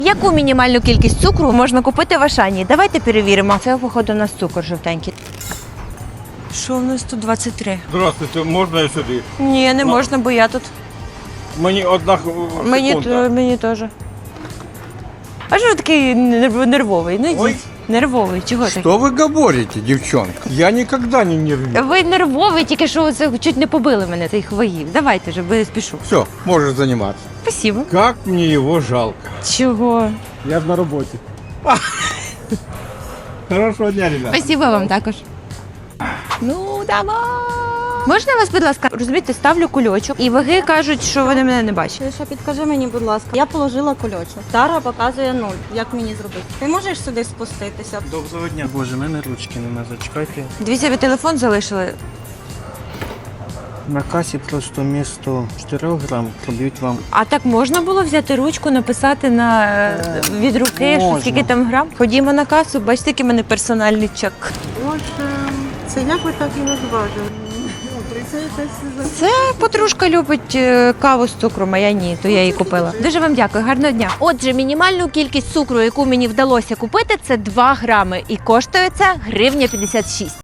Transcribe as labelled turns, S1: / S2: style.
S1: Яку мінімальну кількість цукру можна купити в Ашані? Давайте перевіримо. Це, походу, у нас цукор жовтенький. Що в нас тут 23?
S2: Здравствуйте, можна я сюди?
S1: Ні, не можна, бо я тут.
S2: Мені одна секунда.
S1: Мені теж. А що ж такий нервовий? Ну
S2: Ой.
S1: йдіть. Нервовий, чого так?
S2: Что вы говорите, девчонка? Я никогда не нервничаю.
S1: Ви нервовий, тільки що це чуть не побили мене цих воїв. Давайте вже, бо я спішу.
S2: Все, можешь заниматься.
S1: Спасибо.
S2: Как мне его жалко.
S1: Чого?
S2: Я на работе. Хорошего дня, ребята.
S1: Спасибо вам також. Ну, давай. Можна вас, будь ласка, розумієте, ставлю кульочок, і ваги кажуть, що вони мене не бачать.
S3: Лише підкажи мені, будь ласка, я положила кульочок. Тара показує 0. Як мені зробити? Ти можеш сюди спуститися?
S4: Доброго дня. Боже, в мене ручки нема, зачекайте.
S1: Дивіться, ви телефон залишили.
S4: На касі просто місто 4 грам проб'ють вам.
S1: А так можна було взяти ручку, написати від руки, що
S4: Можна.
S1: скільки там грам? Ходімо на касу, бачите, який в мене персональний чек.
S3: Боже, це як ви так і розважили?
S1: Це подружка любить каву з цукром, а я ні, то я її купила. Дуже вам дякую, гарного дня. Отже, мінімальну кількість цукру, яку мені вдалося купити, це 2 грами. І коштує це 1,56 гривня.